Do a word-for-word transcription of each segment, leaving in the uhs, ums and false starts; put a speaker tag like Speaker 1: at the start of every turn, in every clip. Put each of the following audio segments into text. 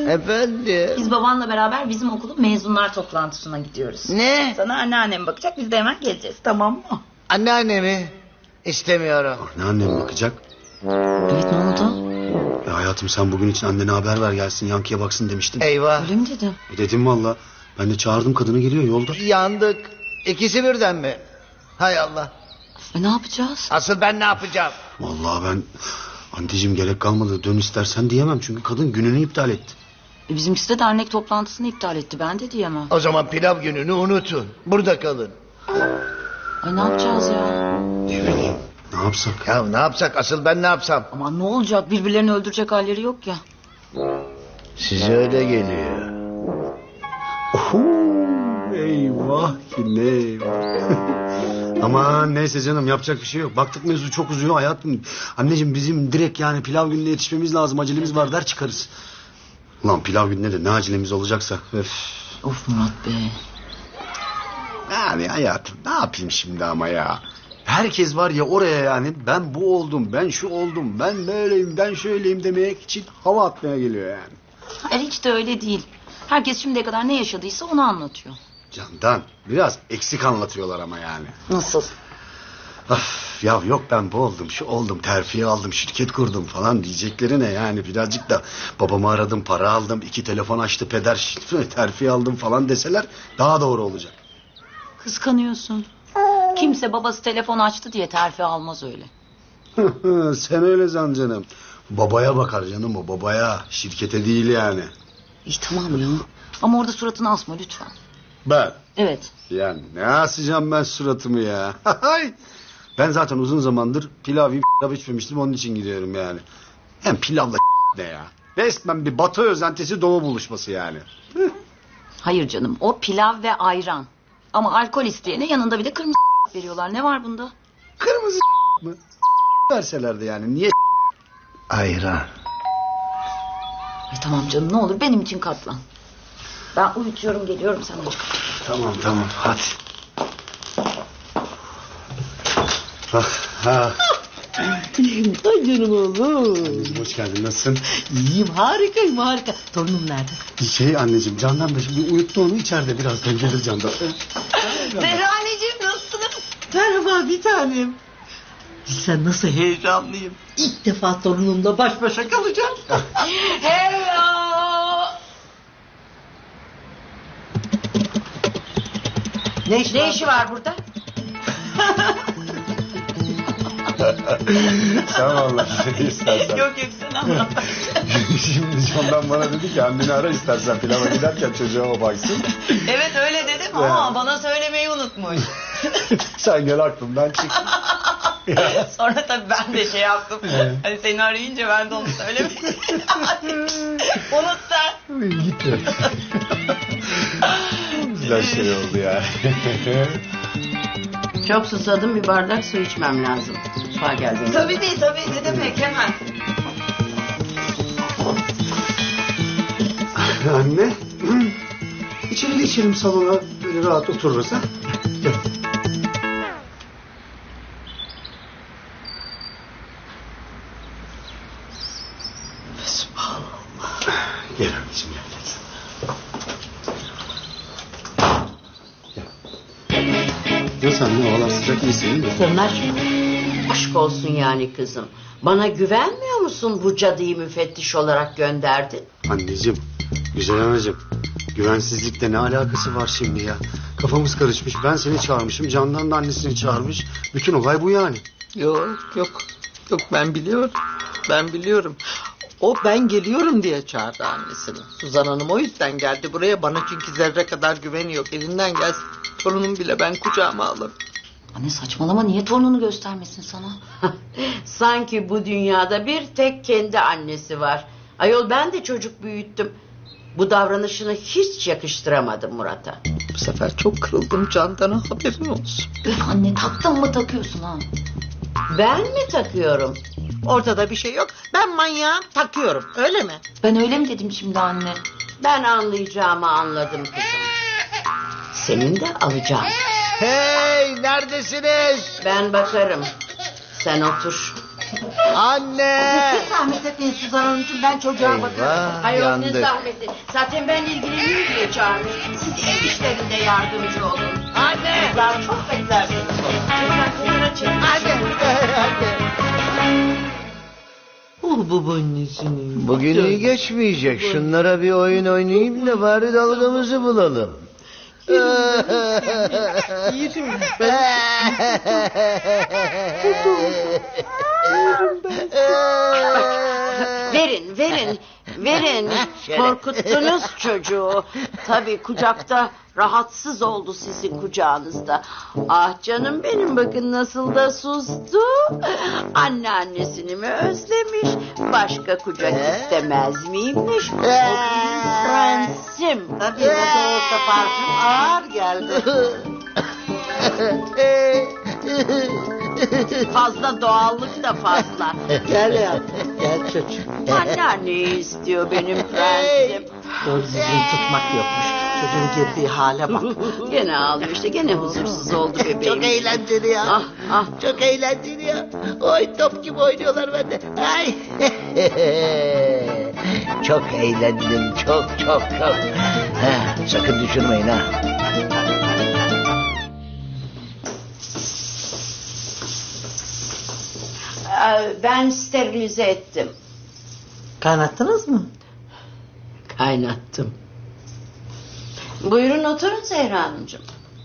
Speaker 1: Efendim?
Speaker 2: Biz babanla beraber bizim okulun mezunlar toplantısına gidiyoruz.
Speaker 1: Ne?
Speaker 2: Sana anneannem bakacak, biz de hemen geleceğiz, tamam mı?
Speaker 1: Anneannemi istemiyorum.
Speaker 3: Anneannem bakacak.
Speaker 2: Evet, ne oldu?
Speaker 3: Ya hayatım sen bugün için annene haber ver gelsin Yankı'ya baksın demiştin.
Speaker 1: Eyvah.
Speaker 2: Öyle mi dedim?
Speaker 3: E dedim valla. Ben de çağırdım kadını geliyor yolda.
Speaker 1: Yandık. İkisi birden mi? Hay Allah.
Speaker 2: E ne yapacağız?
Speaker 1: Asıl ben ne yapacağım?
Speaker 3: Vallahi ben anneciğim gerek kalmadı dön istersen diyemem. Çünkü kadın gününü iptal etti.
Speaker 2: E bizimkisi de dernek toplantısını iptal etti, ben de diyemem.
Speaker 1: O zaman pilav gününü unutun. Burada kalın.
Speaker 2: Ay ne yapacağız ya?
Speaker 3: Ne bileyim ne yapsak?
Speaker 1: Ya ne yapsak? Asıl ben ne yapsam?
Speaker 2: Aman ne olacak, birbirlerini öldürecek halleri yok ya.
Speaker 1: Size öyle geliyor.
Speaker 3: Oho, eyvah ki ne eyvah. Aman neyse canım yapacak bir şey yok. Baktık mevzu çok uzuyor hayatım. Anneciğim bizim direkt yani pilav gününe yetişmemiz lazım. Acelemiz var der çıkarız. Ulan pilav gününe de ne acelemiz olacaksa. Öf.
Speaker 2: Of Murat Bey.
Speaker 3: Yani hayatım ne yapayım şimdi ama ya. Herkes var ya oraya yani ben bu oldum, ben şu oldum, ben böyleyim, ben şöyleyim demek için hava atmaya geliyor yani.
Speaker 2: Hayır, hiç de öyle değil. Herkes şimdiye kadar ne yaşadıysa onu anlatıyor.
Speaker 3: Candan biraz eksik anlatıyorlar ama yani.
Speaker 2: Nasıl?
Speaker 3: Of, ya yok ben bu oldum, şu oldum, terfi aldım, şirket kurdum falan diyecekleri ne yani birazcık da babamı aradım, para aldım, iki telefon açtı peder, terfi aldım falan deseler daha doğru olacak.
Speaker 2: Kıskanıyorsun. Kimse babası telefon açtı diye terfi almaz öyle.
Speaker 3: Sen öyle san canım. Babaya bakar canım o babaya, şirkete değil yani.
Speaker 2: İyi tamam ya. Ama orada suratını asma lütfen.
Speaker 3: Ben?
Speaker 2: Evet.
Speaker 3: Ya ne asacağım ben suratımı ya. Ben zaten uzun zamandır pilav yiyip pilav içmemiştim onun için gidiyorum yani. Hem pilavla ne ya. Resmen bir batı özentisi doğu buluşması yani.
Speaker 2: Hayır canım, o pilav ve ayran. Ama alkol isteyene yanında bir de kırmızı veriyorlar. Ne var bunda?
Speaker 3: Kırmızı mı? Verselerdi yani niye?
Speaker 1: Ayran.
Speaker 2: Ay tamam canım, ne olur benim için katlan. Ben uyutuyorum, geliyorum, sen aç kapıyı.
Speaker 3: Tamam tamam hadi. Ah, ha.
Speaker 4: Ay canım oğlum.
Speaker 3: Anneciğim hoş geldin nasılsın?
Speaker 4: İyiyim, harikayım, harika. Torunum nerede?
Speaker 3: Şey anneciğim Candan da şimdi uyuttu onu içeride birazdan gelir Candan.
Speaker 4: Zehra anneciğim, nasılsınız? Merhaba bir tanem. Sen nasıl heyecanlıyım. İlk defa torunumla baş başa kalacağım.
Speaker 2: Hello.
Speaker 4: Ne işi,
Speaker 2: Ne
Speaker 4: var?
Speaker 2: işi var burada?
Speaker 3: Sen vallahi istersen.
Speaker 4: Yok yok, sen anlat.
Speaker 3: Şimdi Candan bana dedi ki anneni ara istersen pilava giderken çocuğa o baksın.
Speaker 4: Evet öyle dedim ama bana söylemeyi unutmuş.
Speaker 3: Sen gel aklımdan çık.
Speaker 4: Sonra tabii ben de şey yaptım. Hani seni arayınca ben de onu söylemedim. Unut sen.
Speaker 3: Git ya. Güzel şey oldu ya.
Speaker 5: Çok susadım, bir bardak su içmem lazım. Mutfağa geldim.
Speaker 4: Tabii değil tabii, ne demek, hemen.
Speaker 3: Anne. İçeri içelim salona böyle rahat otururuz ha. Gel. Subhanallah. Gel anneciğim gel. Nasıl anne havalar sıcak mısın değil mi?
Speaker 5: Sırnaş, aşk olsun yani kızım. Bana güvenmiyor musun bu cadıyı müfettiş olarak gönderdin?
Speaker 3: Anneciğim, güzel anacığım. Güvensizlikle ne alakası var şimdi ya? Kafamız karışmış. Ben seni çağırmışım. Candan da annesini çağırmış. Bütün olay bu yani.
Speaker 4: Yok yok yok, ben biliyorum. Ben biliyorum. O ben geliyorum diye çağırdı annesini. Suzan Hanım o yüzden geldi buraya, bana çünkü zerre kadar güveni yok. Elinden gelsin torunum bile ben kucağıma alırım.
Speaker 2: Anne saçmalama, niye torununu göstermesin sana?
Speaker 5: Sanki bu dünyada bir tek kendi annesi var. Ayol ben de çocuk büyüttüm. Bu davranışını hiç yakıştıramadım Murat'a.
Speaker 4: Bu sefer çok kırıldım Candan'a, haberin olsun.
Speaker 2: Üf anne, taktın mı takıyorsun ha?
Speaker 5: Ben mi takıyorum?
Speaker 4: Ortada bir şey yok. Ben manyağım, takıyorum, öyle mi?
Speaker 2: Ben öyle mi dedim şimdi anne?
Speaker 5: Ben anlayacağımı anladım kızım. Senin de alacağım.
Speaker 1: Hey neredesiniz?
Speaker 5: Ben bakarım. Sen otur.
Speaker 1: Anne!
Speaker 5: Zahmet etmeyin Suzan Hanımcığım, ben çocuğa
Speaker 1: Eyvah,
Speaker 5: bakarım. Hayır ne
Speaker 1: yandık.
Speaker 5: zahmeti. Zaten ben ilgileneyim diye çağırmış. Siz ev işlerinde yardımcı olun.
Speaker 1: Anne!
Speaker 5: Kızlar çok beklersiniz. Lütfen kenara çekin.
Speaker 4: Oh babaannesinin.
Speaker 1: Bugün iyi geçmeyecek. Şunlara bir oyun oynayayım da bari dalgamızı bulalım.
Speaker 4: Yerim ben.
Speaker 5: Verin, verin, verin. Korkuttunuz çocuğu. Tabii kucakta rahatsız oldu sizin kucağınızda. Ah canım benim, bakın nasıl da sustu. Anneannesini mi özlemiş? Başka kucak istemez miymiş? O benim prensim.
Speaker 4: Tabii ne de olsa parfüm ağır geldi.
Speaker 5: Fazla doğallık da fazla.
Speaker 4: Gel yavrum, gel çocuğum.
Speaker 5: Anneanneyi istiyor benim prensim.
Speaker 4: Doğru düzgün tutmak yokmuş. Çocuğun girdiği hale bak.
Speaker 5: Gene ağlıyor işte, gene huzursuz oldu bebeğim.
Speaker 1: Çok eğlenceli ya.
Speaker 5: Ah ah.
Speaker 1: Çok eğlenceli ya. Oy top gibi oynuyorlar bende. Ay. Çok eğlendim. Çok çok çok. Ha, sakın düşürmeyin ha.
Speaker 5: Ee, Ben sterilize ettim.
Speaker 4: Kaynattınız mı?
Speaker 5: Kaynattım. Buyurun oturun Zehra Hanımcığım.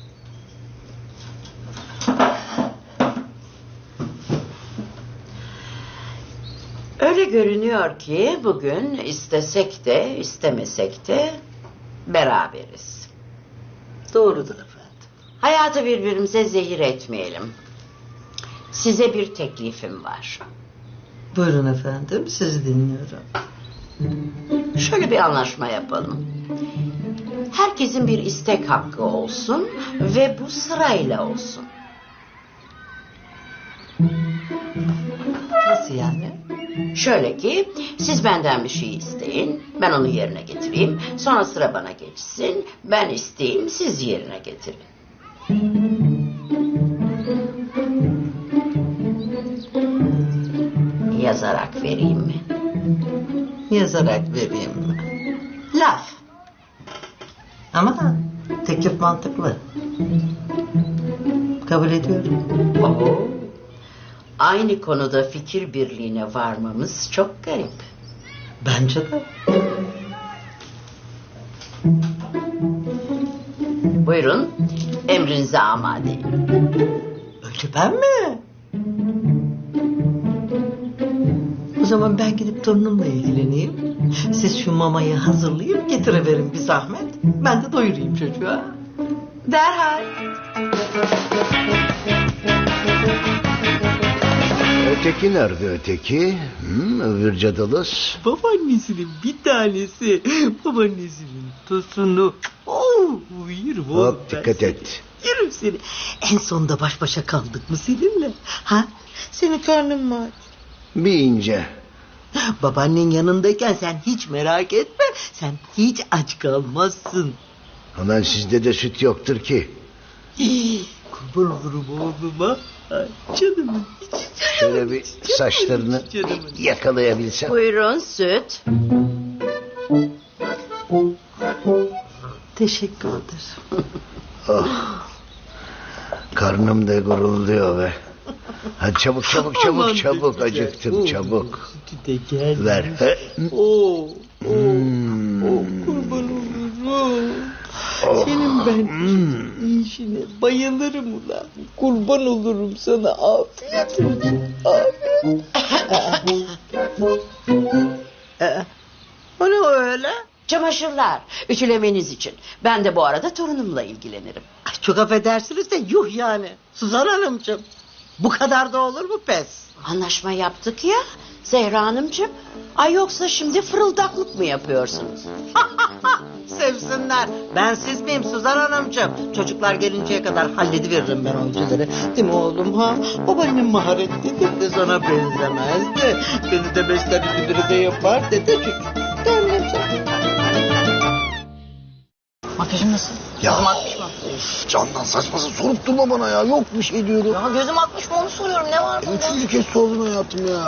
Speaker 5: Öyle görünüyor ki bugün istesek de istemesek de beraberiz.
Speaker 4: Doğrudur efendim.
Speaker 5: Hayatı birbirimize zehir etmeyelim. Size bir teklifim var.
Speaker 4: Buyurun efendim, sizi dinliyorum.
Speaker 5: Şöyle bir anlaşma yapalım. Herkesin bir istek hakkı olsun ve bu sırayla olsun.
Speaker 4: Nasıl yani?
Speaker 5: Şöyle ki siz benden bir şey isteyin, ben onu yerine getireyim. Sonra sıra bana geçsin, ben isteyeyim, siz yerine getirin. Yazarak vereyim mi?
Speaker 4: Yazarak vereyim mi? Laf. Ama teklif mantıklı. Kabul ediyorum.
Speaker 5: Oo. Aynı konuda fikir birliğine varmamız çok garip.
Speaker 4: Bence de.
Speaker 5: Buyurun, emrinize amadeyim.
Speaker 4: Öyle ben mi? O zaman ben gidip torunumla ilgileneyim. Siz şu mamayı hazırlayıp getireverin bir zahmet. Ben de doyurayım çocuğa.
Speaker 5: Derhal.
Speaker 1: Öteki nerede öteki? Hı, öbür cadılız.
Speaker 4: Babaannesinin bir tanesi. Babaannesinin tosunu. Oh, yerim oğlum
Speaker 1: Hop
Speaker 4: ben
Speaker 1: dikkat
Speaker 4: seni.
Speaker 1: et.
Speaker 4: Yerim seni. En sonunda baş başa kaldık mı seninle? Ha? Senin karnın mı aç?
Speaker 1: Bir ince.
Speaker 4: Babaannen yanındayken sen hiç merak etme. Sen hiç aç kalmazsın.
Speaker 1: Aman sizde de süt yoktur ki.
Speaker 4: Hii, kurban olurum oğluma. Ay, canımın içi,
Speaker 1: Şöyle
Speaker 4: canımın
Speaker 1: bir
Speaker 4: içi, canımın
Speaker 1: saçlarını
Speaker 4: içi, canımın içi.
Speaker 1: yakalayabilsem.
Speaker 5: Buyurun süt.
Speaker 4: Teşekkür ederim.
Speaker 1: Oh. Karnım da gurulduyor be. Hadi çabuk çabuk çabuk
Speaker 4: Aman
Speaker 1: çabuk
Speaker 4: be,
Speaker 1: acıktım
Speaker 4: güzel.
Speaker 1: çabuk.
Speaker 4: Sütü de geldi.
Speaker 1: Ver. He.
Speaker 4: Oo, oo,
Speaker 1: Hmm.
Speaker 4: oo, kurban olurum.
Speaker 1: Oh.
Speaker 4: Senin ben
Speaker 1: Hmm.
Speaker 4: işine bayılırım ulan. Kurban olurum sana. Afiyet olsun. Afiyet. Ee, o ne öyle?
Speaker 5: Çamaşırlar, ütülemeniz için. Ben de bu arada torunumla ilgilenirim.
Speaker 4: Ay, çok affedersiniz de yuh yani. Suzan Hanımcığım. Bu kadar da olur mu pes?
Speaker 5: Anlaşma yaptık ya Zehra Hanımcığım. Ay yoksa şimdi fırıldaklık mı yapıyorsunuz?
Speaker 4: Sevsinler. Ben siz miyim Suzan Hanımcığım? Çocuklar gelinceye kadar hallediveririm ben o ütüleri. Değil mi oğlum ha? Babaannem maharetlidir de sana benzemezdi. Beni de besler ütüleri de yapar dedi çocuk. Annem sen.
Speaker 2: Makyajım nasıl?
Speaker 1: Ya Of, Candan saçması sorup durma bana ya. Yok bir şey diyorum.
Speaker 2: Ya gözüm akmış mı onu soruyorum. Ne var bunda?
Speaker 1: Üçüncü kez sordun hayatım ya.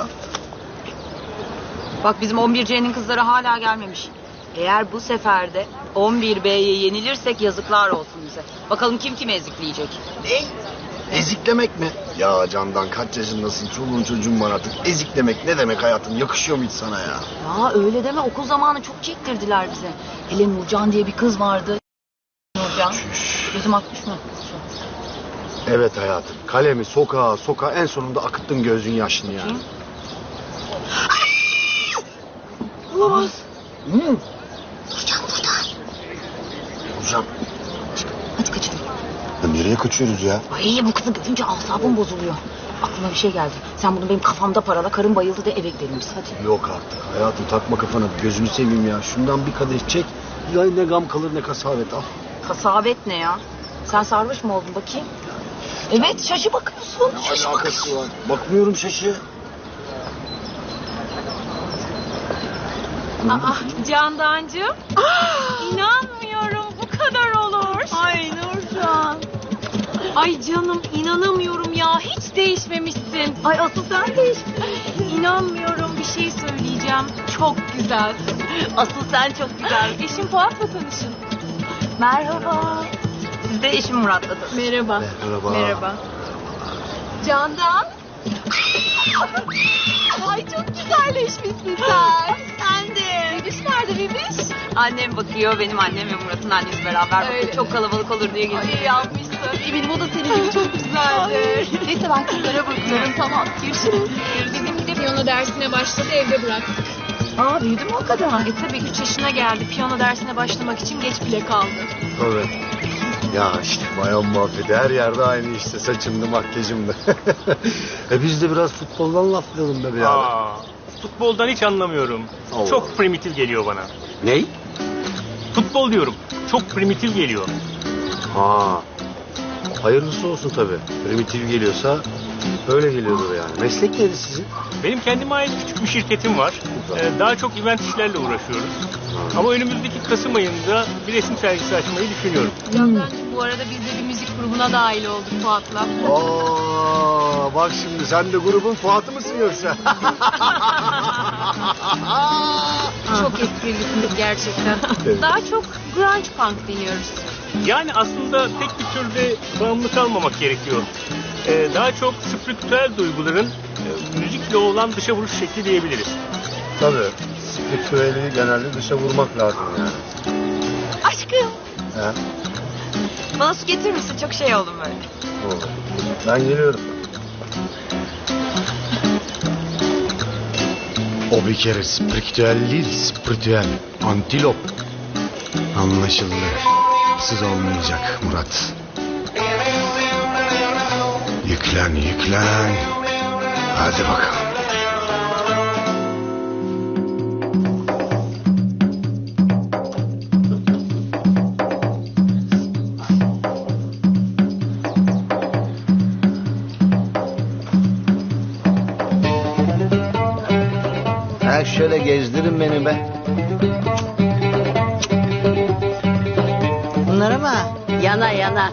Speaker 2: Bak bizim on bir C'nin kızları hala gelmemiş. Eğer bu sefer de on bir B'ye yenilirsek yazıklar olsun bize. Bakalım kim kimi ezikleyecek.
Speaker 1: Ne? Eziklemek mi? Ya Candan kaç yaşındasın? Çoluğun çocuğun var artık. Eziklemek ne demek hayatım? Yakışıyor mu hiç sana ya?
Speaker 2: Ya öyle deme, okul zamanı çok çektirdiler bize. Hele Nurcan diye bir kız vardı. Nurcan.
Speaker 1: Çüş.
Speaker 2: Gözüm akmış mı?
Speaker 3: Evet hayatım. Kalemi sokağa sokağa en sonunda akıttın gözün yaşını yani.
Speaker 2: Kim? Olamaz.
Speaker 1: Hı.
Speaker 2: Nurcan burada.
Speaker 1: Hocam.
Speaker 2: Hadi kaçalım.
Speaker 1: Ya nereye kaçıyoruz ya?
Speaker 2: Ay bu kızı görünce asabım bozuluyor. Aklıma bir şey geldi. Sen bunu benim kafamda parala, karım bayıldı de eve gidelim biz hadi.
Speaker 3: Yok artık hayatım, takma kafana, gözünü seveyim ya. Şundan bir kadeh çek. Ya ne gam kalır ne kasavet, al.
Speaker 2: Kasabet ne ya? Sen sarhoş mu oldun bakayım? Evet, şaşı bakıyorsun. Şaşı
Speaker 3: Alakası var. Bakmıyorum şaşı.
Speaker 6: Aa, Candancığım. İnanmıyorum bu kadar olur. Ay Nurcan. Ay canım inanamıyorum ya, hiç değişmemişsin.
Speaker 2: Ay asıl sen değiştin.
Speaker 6: İnanmıyorum, bir şey söyleyeceğim. Çok güzelsin.
Speaker 2: Asıl sen çok güzel.
Speaker 6: Eşim Fuat'la tanışın.
Speaker 2: Merhaba. Siz de eşim Murat'la tanışın.
Speaker 6: Merhaba.
Speaker 3: Merhaba.
Speaker 6: Merhaba. Candan. Ay çok güzelleşmişsin sen. Sen de. Bebiş nerede bebiş?
Speaker 2: Annem bakıyor, benim annem ve Murat'ın annesi beraber bakıyor.
Speaker 6: Öyle.
Speaker 2: Çok kalabalık olur diye
Speaker 6: Ay
Speaker 2: geziyor.
Speaker 6: yapmışsın. Eminim o da senin gibi çok güzeldir.
Speaker 2: Neyse ben kızlara bakıyorum, tamam. Görüşürüz.
Speaker 6: Bizimki de piyano dersine başladı, evde bıraktık.
Speaker 2: Aa, büyüdü mü o kadar?
Speaker 6: E tabii üç yaşına geldi. Piyano dersine başlamak için geç bile kaldı.
Speaker 3: Tabii. Ya işte bayan muhabbeti her yerde aynı işte, saçımdı makyajımdı. e biz de biraz futboldan laflayalım be birader.
Speaker 7: Aa, futboldan hiç anlamıyorum.
Speaker 3: Allah.
Speaker 7: Çok primitif geliyor bana.
Speaker 3: Ney?
Speaker 7: Futbol diyorum. Çok primitif geliyor.
Speaker 3: Ha. Hayırlısı olsun tabii. Primitif geliyorsa öyle geliyordur yani. Meslek neydi sizin?
Speaker 7: Benim kendime ait küçük bir şirketim var. Ee, daha çok event işlerle uğraşıyoruz. Ama önümüzdeki Kasım ayında bir resim sergisi açmayı düşünüyorum.
Speaker 6: Candancığım bu arada biz de bir müzik grubuna dahil olduk Fuat'la.
Speaker 3: Aa, bak şimdi sen de grubun Fuat'ı mısın yoksa?
Speaker 6: Çok esprilisin gerçekten.
Speaker 3: Evet.
Speaker 6: Daha çok grunge punk deniyoruz.
Speaker 7: Yani aslında tek bir türde bağımlı kalmamak gerekiyor. Ee, daha çok spiritüel duyguların e, müzikle olan dışa vuruş şekli diyebiliriz.
Speaker 3: Tabii. Spiritüeli genelde dışa vurmak lazım yani.
Speaker 2: Aşkım,
Speaker 3: He?
Speaker 2: bana su getirir misin? Çok şey oldum böyle.
Speaker 3: Olur. Ben geliyorum. O bir kere spiritüel değil, spiritüel. Antilop. Anlaşıldı. Siz olmayacak Murat. Yüklen, yüklen. Hadi bakalım.
Speaker 1: Ha şöyle gezdirin beni be.
Speaker 4: Bunlara mı?
Speaker 5: Yana yana.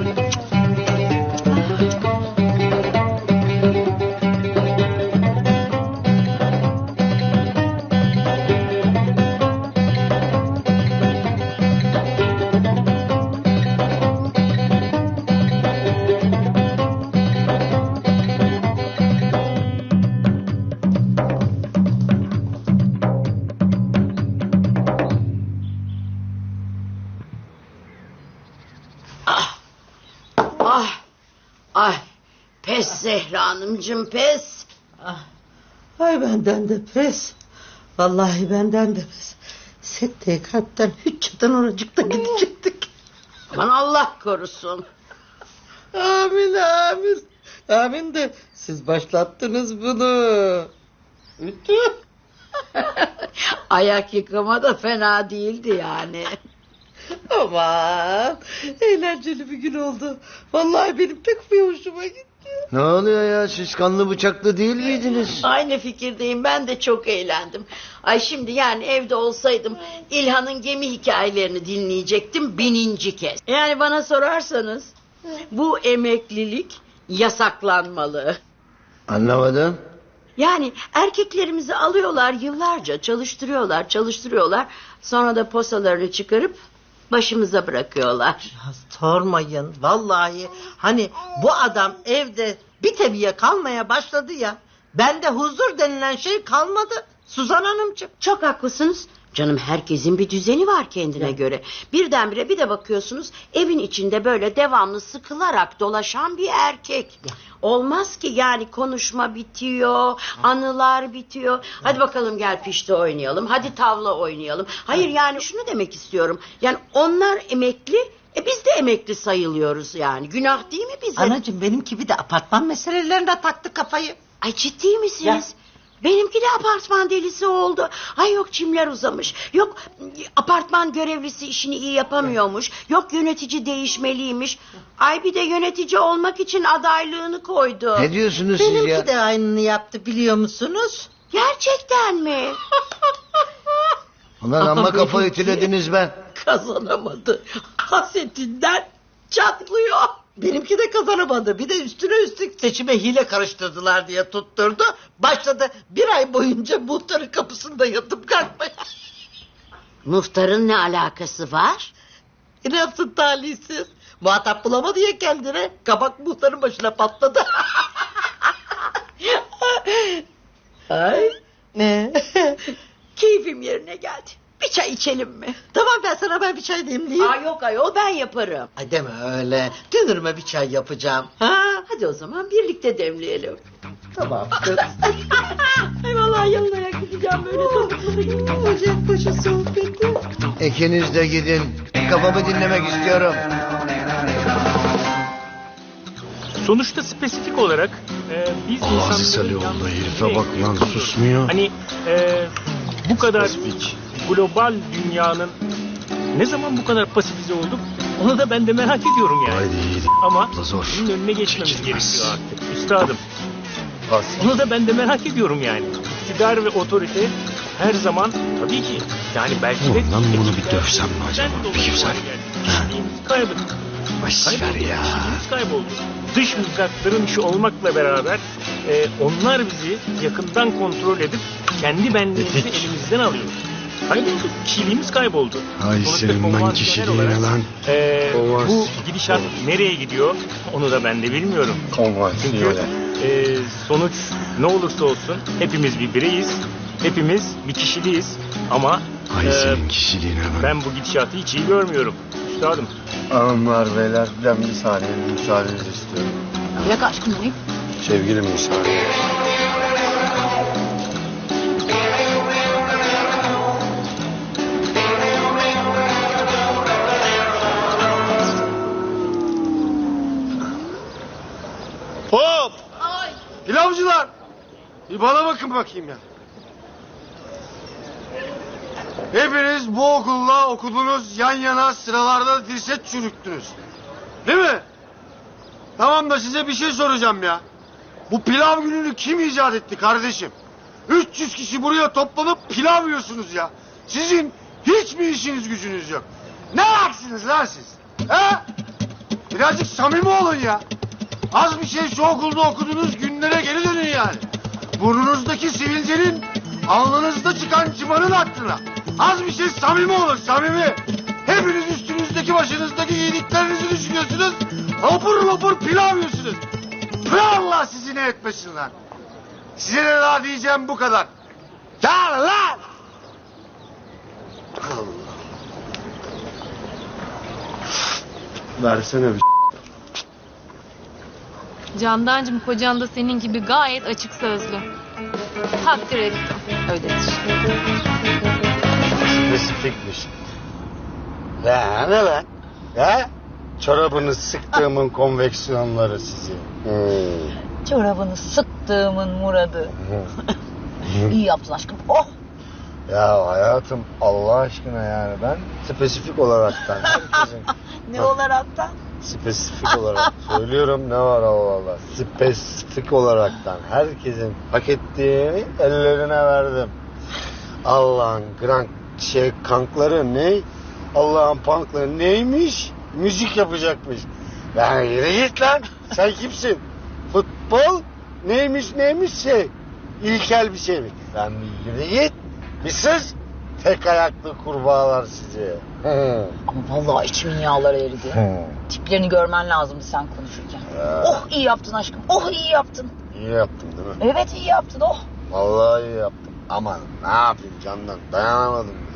Speaker 5: Ah, ay, pes Zehra Hanımcığım, pes.
Speaker 4: Ah, ay benden de pes. Vallahi benden de pes. Sette kalpten hiç çatan oracıkta gidecektik.
Speaker 5: Aman Allah korusun.
Speaker 4: Amin amin. Amin de siz başlattınız bunu. Ütü.
Speaker 5: Ayak yıkama da fena değildi yani.
Speaker 4: Aman eğlenceli bir gün oldu. Vallahi benim pek bir hoşuma gitti.
Speaker 1: Ne oluyor ya? Siz kanlı bıçaklı değil miydiniz?
Speaker 5: Aynı fikirdeyim, ben de çok eğlendim. Ay şimdi yani evde olsaydım İlhan'ın gemi hikayelerini dinleyecektim bininci kez. Yani bana sorarsanız bu emeklilik yasaklanmalı.
Speaker 1: Anlamadım.
Speaker 5: Yani erkeklerimizi alıyorlar yıllarca çalıştırıyorlar çalıştırıyorlar sonra da posalarını çıkarıp başımıza bırakıyorlar.
Speaker 4: Ya sormayın vallahi, hani bu adam evde bir tebiye kalmaya başladı ya, bende huzur denilen şey kalmadı Suzan Hanımcığım.
Speaker 5: Çok haklısınız. Canım herkesin bir düzeni var kendine göre. Birdenbire bir de bakıyorsunuz evin içinde böyle devamlı sıkılarak dolaşan bir erkek. Olmaz ki yani, konuşma bitiyor, anılar bitiyor. Hadi bakalım gel pişti oynayalım, hadi tavla oynayalım. Hayır yani şunu demek istiyorum. Yani onlar emekli, e biz de emekli sayılıyoruz yani. Günah değil mi bize?
Speaker 4: Anacığım benimki bir de apartman meselelerine taktı kafayı.
Speaker 5: Ay ciddi misiniz? Benimki de apartman delisi oldu. Ay yok çimler uzamış. Yok apartman görevlisi işini iyi yapamıyormuş. Yok yönetici değişmeliymiş. Ay bir de yönetici olmak için adaylığını koydu.
Speaker 1: Ne diyorsunuz siz ya?
Speaker 4: Benimki de aynını yaptı biliyor musunuz?
Speaker 5: Gerçekten mi?
Speaker 1: Ulan amma kafa
Speaker 4: Benimki
Speaker 1: ütülediniz ben.
Speaker 4: Kazanamadı. Hasetinden çatlıyor. Benimki de kazanamadı. Bir de üstüne üstlük seçime hile karıştırdılar diye tutturdu. Başladı bir ay boyunca muhtarın kapısında yatıp kalkmaya.
Speaker 5: Muhtarın ne alakası var?
Speaker 4: Ne yapsın talihsiz? Muhatap bulamadı ya kendine. Kabak muhtarın başına patladı. Ay. Ne?
Speaker 5: Keyfim yerine geldi. Bir çay içelim mi?
Speaker 4: Tamam, ben sana ben bir çay demleyeyim.
Speaker 5: Aa yok ayol, ben yaparım.
Speaker 4: Ay deme öyle. Dünürüme bir çay yapacağım.
Speaker 5: Ha, hadi o zaman birlikte demleyelim.
Speaker 4: Tamam kız.
Speaker 5: Ay vallahi yanına gideceğim böyle topuklu.
Speaker 4: Ocak başı sohbeti.
Speaker 1: İkiniz de gidin. Kafamı dinlemek istiyorum.
Speaker 7: Sonuçta spesifik olarak e, biz
Speaker 3: Aziz
Speaker 7: insanların
Speaker 3: Alioğlu,
Speaker 7: yalnız
Speaker 3: herife
Speaker 7: ne
Speaker 3: bak lan,
Speaker 7: yapıyoruz?
Speaker 3: susmuyor.
Speaker 7: Hani e, bu kadar
Speaker 3: Spesifik.
Speaker 7: global dünyanın ne zaman bu kadar pasifize olduk? Onu da ben de merak ediyorum yani.
Speaker 3: Haydi yiğit.
Speaker 7: Ama
Speaker 3: Abla zor.
Speaker 7: bunun önüne geçmemiz
Speaker 3: Çekilmez.
Speaker 7: gerekiyor artık. Üstadım. Onu da ben de merak ediyorum yani. İktidar ve otorite her zaman tabii ki yani belki de...
Speaker 3: Ulan ben bunu bir dövsem mi acaba?
Speaker 7: Ben de
Speaker 3: Bir güzel.
Speaker 7: Kişiliğimizi kaybettik.
Speaker 3: Boş ver
Speaker 7: Kayboldu,
Speaker 3: ya.
Speaker 7: kişiliğimiz kayboldu. Dış mızrakların işi olmakla beraber e, onlar bizi yakından kontrol edip kendi benliğimizi
Speaker 3: Dedik.
Speaker 7: elimizden alıyor. Kaybolduk, kişiliğimiz kayboldu.
Speaker 3: Ay
Speaker 7: Sonuçta
Speaker 3: senin ben
Speaker 7: konvansiyonel
Speaker 3: kişiliğine
Speaker 7: olarak,
Speaker 3: lan.
Speaker 7: e,
Speaker 3: Konvans-
Speaker 7: bu gidişat nereye gidiyor onu da ben de bilmiyorum. Çünkü e, sonuç ne olursa olsun hepimiz bir bireyiz. Hepimiz bir kişiliğiz ama
Speaker 3: Ay
Speaker 7: e,
Speaker 3: senin kişiliğine lan.
Speaker 7: ben bu gidişatı hiç iyi görmüyorum. Üstadım.
Speaker 1: Hanımlar beyler ben bir saniye müsaadenizi istiyorum.
Speaker 2: Bırak aşkım onu.
Speaker 1: Sevgilim müsaade. Hop! Pilavcılar! Bir bana bakın bakayım ya. Hepiniz bu okulla okudunuz, yan yana sıralarda dirset çürüktünüz. Değil mi? Tamam da size bir şey soracağım ya. Bu pilav gününü kim icat etti kardeşim? üç yüz kişi buraya toplanıp pilav yiyorsunuz ya. Sizin hiç mi işiniz gücünüz yok? Ne aksınız lan siz? He? Birazcık samimi olun ya. Az bir şey şu okulda okuduğunuz günlere geri dönün yani. Burnunuzdaki sivilcenin alnınızda çıkan çıbanın aklına. Az bir şey samimi olun, samimi. Hepiniz üstünüzdeki başınızdaki giydiklerinizi düşünüyorsunuz. Hopur hopur pilav yiyorsunuz. Ve Allah sizi ne etmesin lan. Size de daha diyeceğim bu kadar. Gel lan. Versene bir
Speaker 6: Candancığım, kocan da senin gibi gayet açık sözlü. Takdir ettim. Öyledir.
Speaker 3: Spesifikmiş. Ya ne lan? Ya? Çorabını sıktığımın konveksiyonları sizi. Hmm.
Speaker 2: Çorabını sıktığımın muradı. İyi yaptın aşkım. Oh!
Speaker 1: Ya hayatım Allah aşkına yani ben spesifik olaraktan herkesin
Speaker 2: Ne olaraktan?
Speaker 3: spesifik olarak söylüyorum, ne var Allah Allah. Spesifik olaraktan herkesin hak ettiğini ellerine verdim. Allah'ın krank şey kankları ne? Allah'ın punkları neymiş? Müzik yapacakmış. Ben yürü git lan. Sen kimsin? Futbol neymiş neymiş şey? İlkel bir şey mi? Sen bir yürü git. Bir sus. Tek ayaklı kurbağalar sizi.
Speaker 2: Ama vallahi içimin yağları eridi. Tiplerini görmen lazımdı sen konuşurken.
Speaker 3: Ya.
Speaker 2: Oh iyi yaptın aşkım. Oh iyi yaptın.
Speaker 3: İyi yaptım değil mi?
Speaker 2: Evet iyi yaptın oh.
Speaker 3: Vallahi iyi yaptım. Aman ne yapayım Candan, dayanamadım ya.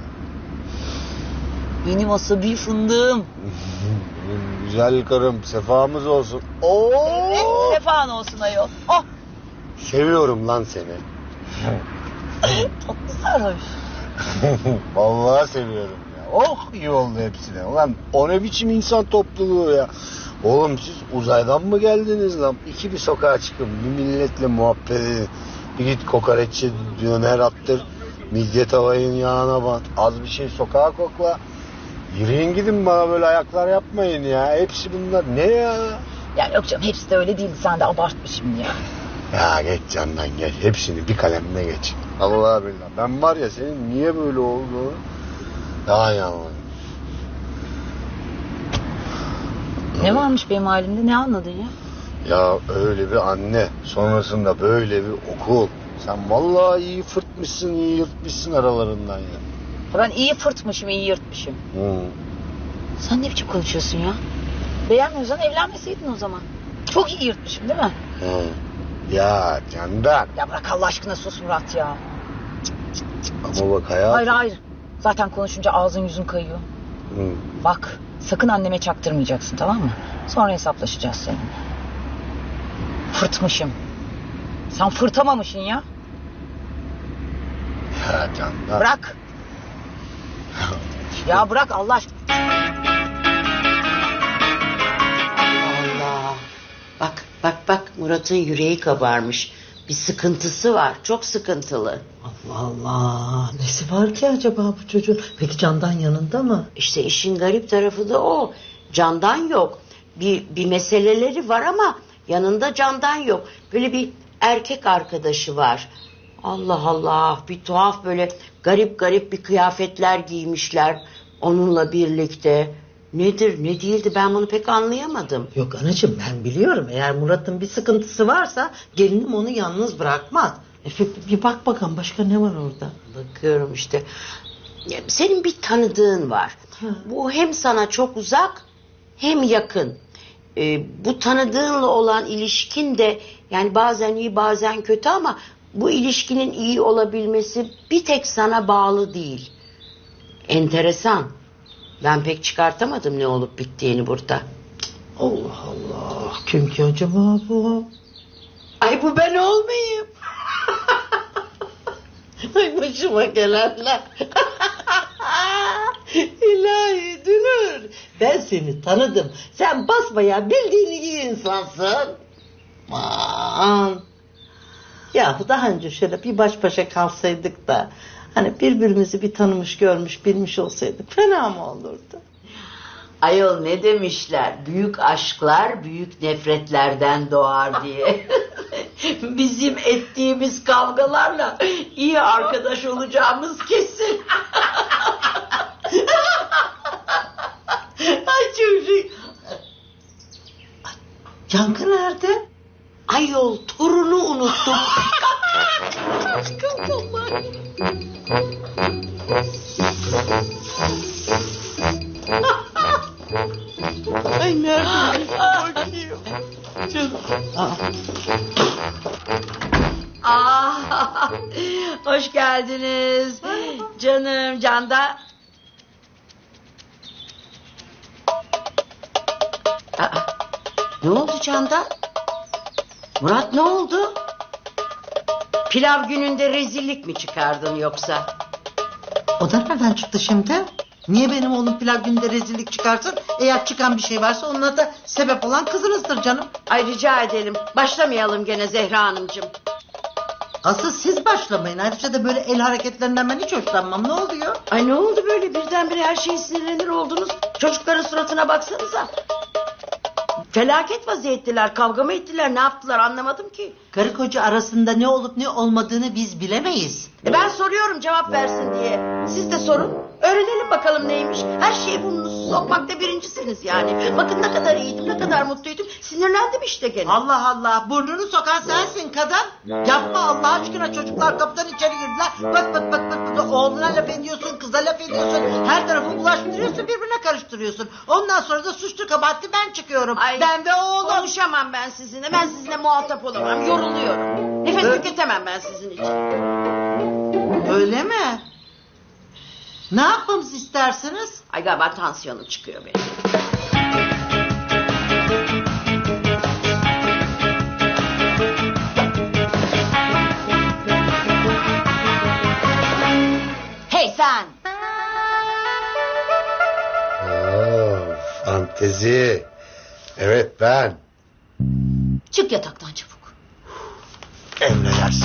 Speaker 2: Benim asabi fındığım.
Speaker 3: Benim güzel karım, sefamız olsun. Oo!
Speaker 2: Evet sefan olsun ayol. Oh
Speaker 3: Seviyorum lan seni.
Speaker 2: tatlı sarhoş.
Speaker 3: Vallahi seviyorum ya. Oh iyi oldu hepsine. Ulan o ne biçim insan topluluğu ya. Oğlum siz uzaydan mı geldiniz lan? İki bir sokağa çıkın, bir milletle muhabbet edin. Bir git kokoreççi döner attır. Midye tavayın yağına bat. Az bir şey sokağa kokla. Yürüyün gidin, bana böyle ayaklar yapmayın ya. Hepsi bunlar ne ya?
Speaker 2: Ya yok canım hepsi de öyle değildi sen de abartma şimdi ya.
Speaker 3: Ya geç Candan geç. Hepsini bir kalemle geç. Allah billah. Ben var ya senin niye böyle olduğunu daha iyi anladım.
Speaker 2: Ne varmış benim halimde ne anladın ya?
Speaker 3: Ya öyle bir anne, sonrasında böyle bir okul. Sen vallahi iyi fırtmışsın, iyi yırtmışsın aralarından ya.
Speaker 2: Ben iyi fırtmışım iyi yırtmışım.
Speaker 3: Hı.
Speaker 2: Sen ne biçim konuşuyorsun ya? Beğenmiyorsan evlenmeseydin o zaman. Çok iyi yırtmışım değil mi?
Speaker 3: Hı. Ya Candan.
Speaker 2: Ya bırak Allah aşkına sus Murat ya.
Speaker 3: Ama bak hayatım.
Speaker 2: Hayır hayır. Zaten konuşunca ağzın yüzün kayıyor.
Speaker 3: Hı.
Speaker 2: Bak sakın anneme çaktırmayacaksın tamam mı? Sonra hesaplaşacağız seninle. Fırtmışım. Sen fırtamamışsın ya.
Speaker 3: Ya Candan.
Speaker 2: Bırak. Ya bırak Allah aşkına.
Speaker 5: Allah. Bak bak bak Murat'ın yüreği kabarmış. Bir sıkıntısı var. Çok sıkıntılı.
Speaker 4: Allah Allah. Nesi var ki acaba bu çocuğun? Peki Candan yanında mı?
Speaker 5: İşte işin garip tarafı da o. Candan yok. Bir, bir meseleleri var ama yanında Candan yok. Böyle bir erkek arkadaşı var. Allah Allah, bir tuhaf böyle garip garip bir kıyafetler giymişler onunla birlikte. Nedir ne değildi ben bunu pek anlayamadım.
Speaker 4: Yok anacığım ben biliyorum. Eğer Murat'ın bir sıkıntısı varsa gelinim onu yalnız bırakmaz. E, bir, bir bak bakalım başka ne var orada?
Speaker 5: Bakıyorum işte. Ya, senin bir tanıdığın var.
Speaker 4: Ha.
Speaker 5: Bu hem sana çok uzak hem yakın. Ee, bu tanıdığınla olan ilişkin de yani bazen iyi bazen kötü ama bu ilişkinin iyi olabilmesi bir tek sana bağlı değil. Enteresan. Ben pek çıkartamadım ne olup bittiğini burada.
Speaker 4: Allah Allah. Kim ki acaba bu?
Speaker 5: Ay bu ben olmayayım.
Speaker 4: Ay başıma gelenler. İlahi Dünür. Ben seni tanıdım. Sen basbayağı bildiğin iyi insansın. Aman. Yahu daha önce şöyle bir baş başa kalsaydık da hani birbirimizi bir tanımış görmüş bilmiş olsaydık fena mı olurdu?
Speaker 5: Ayol ne demişler? Büyük aşklar büyük nefretlerden doğar diye. Bizim ettiğimiz kavgalarla iyi arkadaş olacağımız kesin. Ay çocuk.
Speaker 4: Yankı nerede?
Speaker 5: Ayol torunu unuttum.
Speaker 4: Ay nerede? Bakayım. Canım.
Speaker 5: Aa, hoş geldiniz. Canım Canda. Aa, ne oldu Canda? Murat ne oldu? Pilav gününde rezillik mi çıkardın yoksa?
Speaker 4: O da nereden çıktı şimdi? Niye benim oğlum pilav günde rezillik çıkarsın? Eğer çıkan bir şey varsa onunla da sebep olan kızınızdır canım.
Speaker 5: Ay rica edelim. Başlamayalım gene Zehra Hanımcığım.
Speaker 4: Asıl siz başlamayın. Ayrıca da böyle el hareketlerinden ben hiç hoşlanmam. Ne oluyor?
Speaker 5: Ay ne oldu böyle birdenbire her şeye sinirlenir oldunuz? Çocukların suratına baksanıza. Felaket vaziyettiler. Kavga mı ettiler? Ne yaptılar anlamadım ki.
Speaker 4: Karı koca arasında ne olup ne olmadığını biz bilemeyiz.
Speaker 5: E ben soruyorum cevap versin diye. Siz de sorun. Öğrenelim bakalım neymiş. Her şeye burnunuzu sokmakta birincisiniz yani. Bakın ne kadar iyiydim, ne kadar mutluydum. Sinirlendim işte gene.
Speaker 4: Allah Allah, burnunu sokan sensin kadın. Yapma Allah aşkına, çocuklar kapıdan içeri girdiler. Bak bak bak bak, bak oğluna laf ediyorsun, kıza laf ediyorsun. Her tarafı bulaştırıyorsun, birbirine karıştırıyorsun. Ondan sonra da suçlu kabahatli ben çıkıyorum.
Speaker 5: Ay,
Speaker 4: ben ve oğlum.
Speaker 5: Konuşamam ben sizinle. Ben sizinle muhatap olamam. Yoruluyorum. Nefes
Speaker 4: Evet.
Speaker 5: tüketemem ben sizin için.
Speaker 4: Öyle mi? Ne yapmamızı istersiniz?
Speaker 5: Ay galiba tansiyonum çıkıyor benim. Hey sen!
Speaker 3: Oo, fantezi. Evet ben.
Speaker 5: Çık yataktan çabuk.
Speaker 3: Emredersin.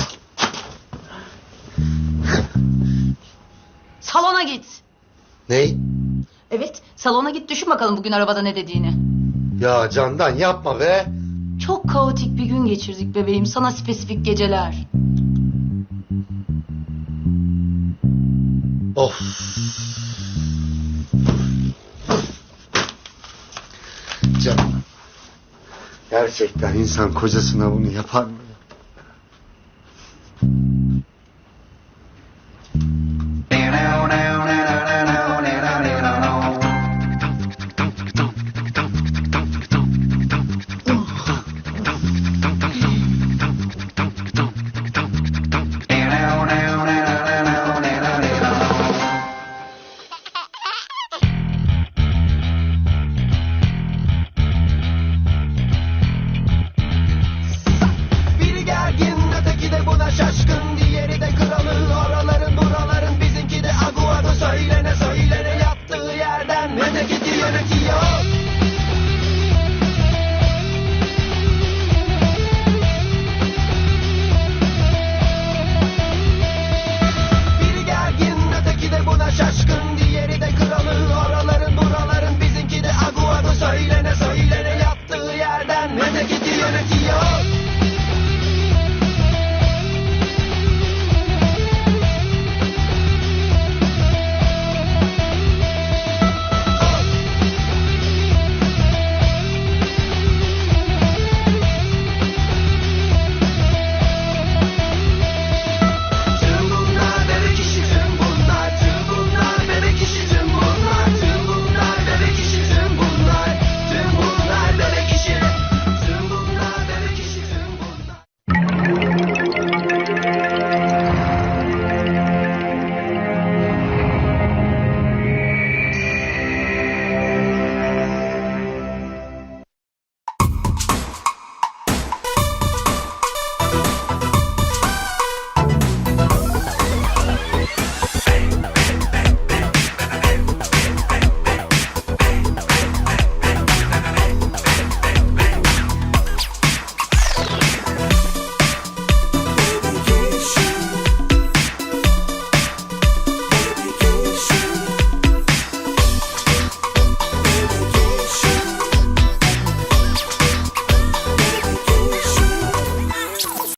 Speaker 2: Salona git.
Speaker 3: Ney?
Speaker 2: Evet, salona git, düşün bakalım bugün arabada ne dediğini.
Speaker 3: Ya Candan yapma be.
Speaker 2: Çok kaotik bir gün geçirdik bebeğim. Sana spesifik geceler.
Speaker 3: Of. Canım. Gerçekten insan kocasına bunu yapar mı?